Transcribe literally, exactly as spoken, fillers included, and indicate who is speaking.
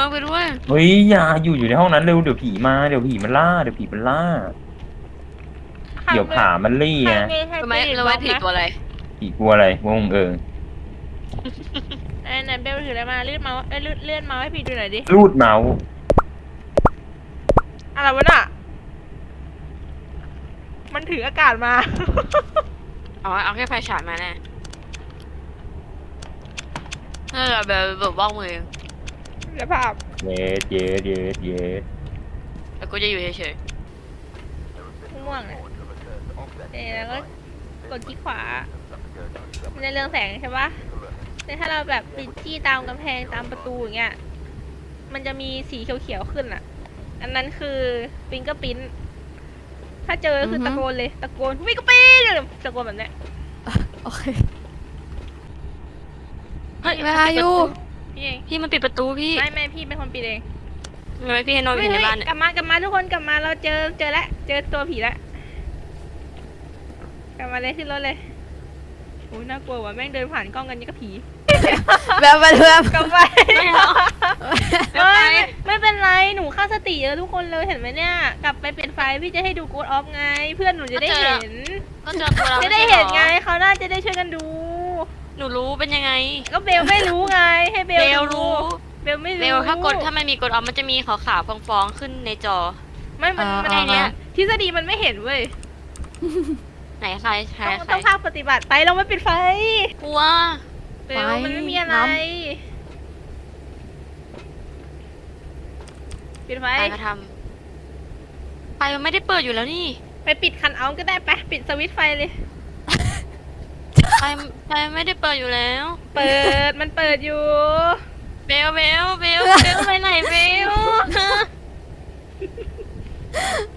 Speaker 1: ไปด้วย
Speaker 2: เฮ้ยอย่าอยู่อยู่ในห้องนั้นเร็วเดี๋ยวผีมาเดี๋ยวผีมันล่าเดี๋ยวผีมันล่าเดี๋ยวขามันลี่ไง
Speaker 1: ทำไมเราไม่ผิดตัวอะไร
Speaker 2: ผีกลัวอะไรงงเออ
Speaker 3: ไอ้ไหนเบลถืออะไรมาเลื่อนเมาส์เอ้ยเลื่อนเลื่อนเมาส์ให้พี่ดูหน่อยดิ
Speaker 2: รูดเมาส์
Speaker 3: อะไรวะน่ะมันถืออากาศมา
Speaker 1: เอาเอาแค่ไฟฉายมาแน่น่าจะแบบแบบว่างมือ
Speaker 3: เดี๋ยวภาพ
Speaker 2: เย็ดเย็ดเย็ดเย็ด
Speaker 1: แล้วกูจะอยู่เฉย
Speaker 3: ม่วงเนี่ยเอ๊ะแล้วก็กดที่ขวาในเรื่องแสงใช่ปะแต่ถ้าเราแบบปิดจี้ตามกำแพงตามประตูอย่างเงี้ยมันจะมีสีเขียวๆขึ้นอ่ะอันนั้นคือฟิงเกอร์ปิ้นถ้าเจอคือตะโกนเลยตะโกนฟิงเกอร์ปิ้นตะโกนแบบเนี้ย
Speaker 4: โอเค
Speaker 1: ๆเฮ้ย
Speaker 4: เวลาอยู่
Speaker 3: พี่เอง
Speaker 1: พี่มันปิดประตูพี่
Speaker 3: ไม่ไม่พี่เป็นคนปิดเอง
Speaker 1: ทำไมพี่ให้นอนอยู่ในบ้านเนี่ย
Speaker 3: กลับมากลับมาทุกคนกลับมาเราเจอเจอแล้วเจอตัวผีแล้วกลับมาเลยขึ้นรถเลยโอ้ยน่ากลัวว่ะแม่งเดินผ่านกล้องกันนี่ก็ผี
Speaker 4: แบบแบบแบบ
Speaker 3: กลับไป
Speaker 1: ไม่เอาไม่
Speaker 3: ไม่
Speaker 1: ไป
Speaker 3: ไม่เป็นไรหนูค่าสติเยอะทุกคนเลยเห็นไหมเนี่ยกลับไปเปลี่ยนไฟพี่จะให้ดูกู๊ดออฟไง เพื่อนหนูจะได้เห็น
Speaker 1: ก็เจอตัวเรา
Speaker 3: จะได้เห็นไงเขาน่าจะได้ช่วยกันดู
Speaker 1: หนูรู้เป็นยังไง
Speaker 3: ก็เบลไม่รู้ไงให้เบล
Speaker 1: เบล
Speaker 3: ดู
Speaker 1: รู้
Speaker 3: เบลไม่รู้
Speaker 1: เบลถ้ากดถ้ามันมีกดออฟมันจะมีขาวๆฟองๆขึ้นในจอ
Speaker 3: ไม่มันมัน
Speaker 1: อ่า
Speaker 3: ไอเนี้ยทฤษฎีมันไม่เห็นเว้ย
Speaker 1: ไหนใครใคร
Speaker 3: ต้อง
Speaker 1: ใคร
Speaker 3: ต้องภาคปฏิบัติไปเราไม่ปิดไฟ
Speaker 1: กลัว
Speaker 3: เบลมันไม่มีอะไร ปิดไฟ
Speaker 1: ไปมาทำไปมันไม่ได้เปิดอยู่แล้วนี่
Speaker 3: ไปปิดคันเอาท์ก็ได้ไปะปิดสวิตช์ไฟเลย
Speaker 1: ไปไปไม่ได้เปิดอยู่แล้ว
Speaker 3: เปิดมันเปิดอยู่
Speaker 1: เบลเบลเบลเบลไปไหนเบล